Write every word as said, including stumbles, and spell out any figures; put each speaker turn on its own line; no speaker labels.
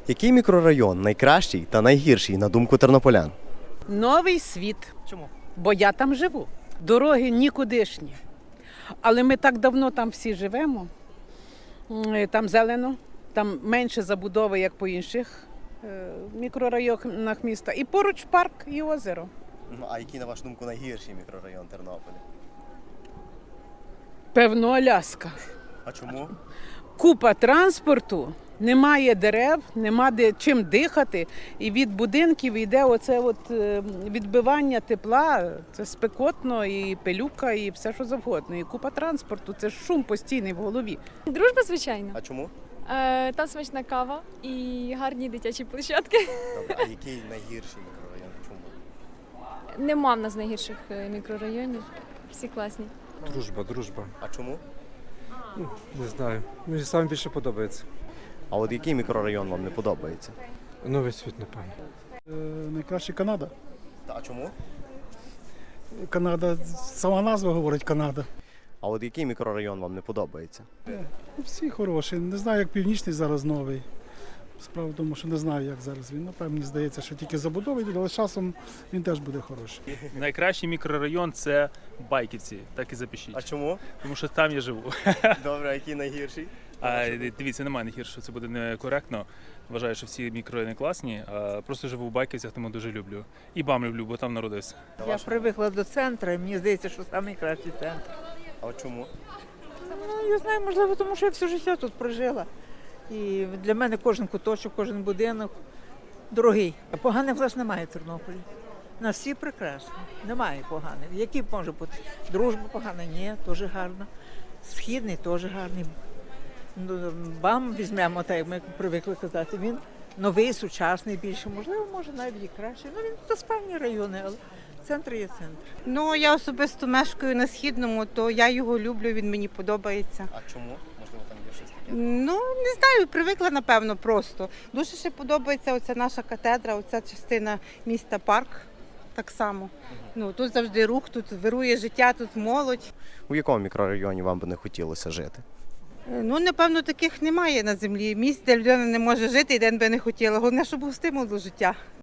Який мікрорайон найкращий та найгірший, на думку тернополян?
Новий світ,
Чому?
бо я там живу. Дороги нікудишні. Але ми так давно там всі живемо. М, Там зелено, там менше забудови, як по інших е, мікрорайонах міста. І поруч парк і озеро.
Ну, а який, на вашу думку, найгірший мікрорайон Тернополя?
Певно, Аляска.
А чому?
Купа транспорту, немає дерев, нема де чим дихати. І від будинків йде оце от е, відбивання тепла. Це спекотно, і пилюка, і все, що завгодно. І купа транспорту, це ж шум постійний в голові.
Дружба, звичайно.
А чому?
Е, там смачна кава і гарні дитячі площадки.
Добре, а який найгірший мікрорайон? Чому?
Нема в нас найгірших е, мікрорайонів. Всі класні.
Дружба, дружба.
А чому?
Не знаю. Мені саме більше подобається.
А от який мікрорайон вам не подобається?
Новий світ, напевно.
Е, Найкраще Канада.
Та, а чому?
Канада, сама назва говорить Канада.
А от який мікрорайон вам не подобається?
Всі хороші. Не знаю, як північний зараз новий. Справа в тому, що не знаю, як зараз він. Напевно, мені здається, що тільки забудови, але з часом він теж буде хороший.
Найкращий мікрорайон це Байківці, так і запишіть.
А чому?
Тому що там я живу.
Добре, а який найгірший?
А дивіться, немає найгіршого, це буде некоректно. Вважаю, що всі мікрорайони класні. А просто живу в Байківцях, тому дуже люблю. І БАМ люблю, бо там народився.
Я привикла до центру, і мені здається, що найкращий центр.
А от чому?
Ну, я знаю, можливо, тому що я все життя тут прожила. І для мене кожен куточок, кожен будинок дорогий. Поганих власне немає в Тернополі. У нас всі прекрасні. Немає поганих. Які може бути? Дружба погана? Ні, теж гарна. Східний теж гарний. Ну, БАМ візьмемо, так як ми привикли казати. Він новий, сучасний більше. Можливо, може навіть і краще. Ну, він то спальні райони, але центр є центр.
Ну, я особисто мешкаю на Східному, то я його люблю, він мені подобається.
А чому? Можливо, там є щось таке?
Ну, не знаю, привикла, напевно, просто. Дуже ще подобається оця наша катедра, оця частина міста парк. Так само. Ну, тут завжди рух, тут вирує життя, тут молодь.
У якому мікрорайоні вам би не хотілося жити?
Е, Ну, напевно, таких немає на землі. Місць, де людина не може жити і де би не хотіла. Головне, щоб був стимул до життя.